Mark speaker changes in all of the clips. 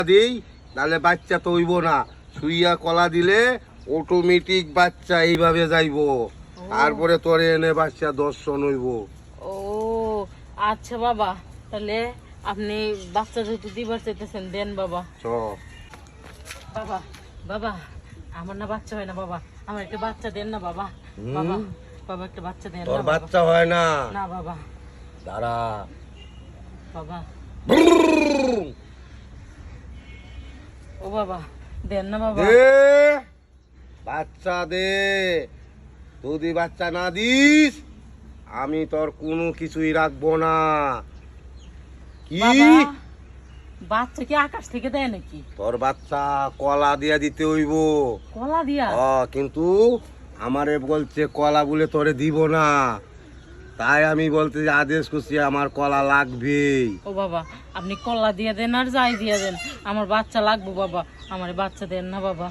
Speaker 1: দিই তাহলে বাচ্চা তো হইব না, শুইয়া কলা দিলে অটোমেটিক বাচ্চা এইভাবে যাইবো, তারপরে তোরে এনে বাচ্চা দর্শন হইব।
Speaker 2: ও আচ্ছা বাবা, তাহলে আপনি বাচ্চা যেহেতু দিবার চাইতেছেন দেন বাবা। বাবা বাবা আমার না বাচ্চা হয় না বাবা, আমার একটা বাচ্চা দেন না বাবা। বাবা বাবা একটা বাচ্চা দেন না।
Speaker 1: তোর বাচ্চা হয় না?
Speaker 2: না বাবা।
Speaker 1: দাঁড়া
Speaker 2: বাবা। ও বাবা দেন না বাবা।
Speaker 1: দে বাচ্চা দে, যদি বাচ্চা না দিস আমি তোর কোনো কিছুই রাখবো না। কি
Speaker 2: বাচ্চা কি আকাশ থেকে দেয় নাকি?
Speaker 1: তোর বাচ্চা কলা দিয়া দিতে হইব।
Speaker 2: কলা দিয়া?
Speaker 1: কিন্তু আমারে বলছে কলা বলে তোরে দিব না, তাই আমি বলতে আদেশ করছি আমার কলা লাগবে।
Speaker 2: ও বাবা আপনি কলা দিয়ে দেন আর যাই দিয়ে দেন, আমার বাচ্চা লাগবে বাবা, আমার বাচ্চা দেন না বাবা।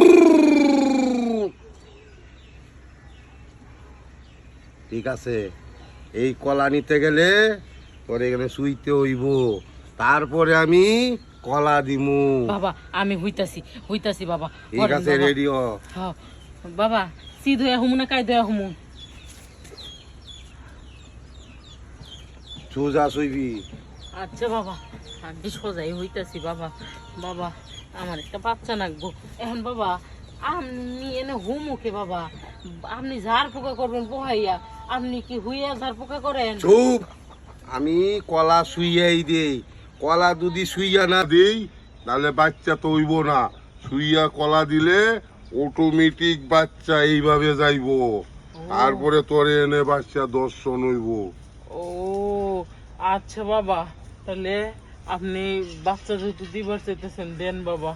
Speaker 1: ঠিক আছে, এই কলা নিতে গেলে তোর এখানে শুইতে হইব, তারপরে আমি কলা দিমু।
Speaker 2: বাবা আমি হইতাছি বাবা।
Speaker 1: ঠিক আছে, রেডি হ।
Speaker 2: হ্যাঁ বাবা, সি ধয়া হুমু না কাই ধয়া হুমু?
Speaker 1: সোজা শুইবি।
Speaker 2: আচ্ছা বাবা আমি সোজাই হইতাছি বাবা। বাবা আমার একটা বাচ্চা লাগবো এখন বাবা, আপনি এনে হুমুকে বাবা, আপনি ঝাড় পোকা করবেন পোহাইয়া, আপনি কি হুইয়া ঝাড় পোকা করেন?
Speaker 1: চুপ, আমি কলা শুইয়াই দেই, কলা যদি শুইয়া না দেই তাহলে বাচ্চা তো হইব না, শুইয়া কলা দিলে অটোমেটিক বাচ্চা এইভাবে যাইবো, তারপরে তোরে এনে বাচ্চা দর্শন হইব।
Speaker 2: ও আচ্ছা বাবা, তাহলে আপনি বাচ্চা যেহেতু দিবার চাইতেছেন দেন বাবা।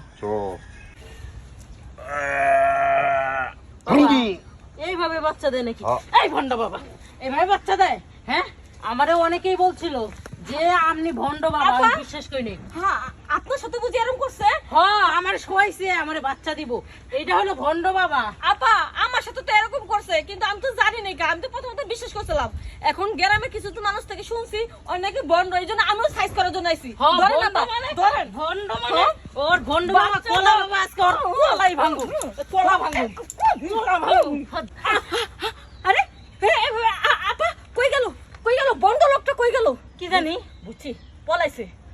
Speaker 2: এইভাবে বাচ্চা দেয় নাকি? এই ভন্ড বাবা এইভাবে বাচ্চা দেয়? হ্যাঁ আমারে অনেকেই বলছিল যে আপনি ভন্ড বাবা, আমি বিশ্বাস করি নাই।
Speaker 3: হ্যাঁ আপনার সাথে বুঝি এরকম করছে?
Speaker 2: হ্যাঁ আমার শোয়াইছে আমারে বাচ্চা দিব, এটা হলো ভন্ড বাবা।
Speaker 3: আপা আমার সাথে তো এরকম করছে, কিন্তু আমি তো জানি না, আমি তো প্রথমত বিশ্বাস করছিলাম। এখন গ্রামে কিছু তো মানুষ থেকে শুনছি অনেকে বন্ড, এই জন্য আমিও সাইজ করার জন্য আইছি। ধরেন আপা, ধরেন।
Speaker 2: ভন্ড মানে ওর ভন্ড বাবা, কলা বাবা আজকে ওর কলাই ভাঙবো, কলা ভাঙবো, কলা ভাঙবো।
Speaker 3: আরে আপা কই গেল, কই গেল বন্ড লোকটা, কই গেল?
Speaker 2: কি জানি, বুঝছি
Speaker 3: পলাইছে।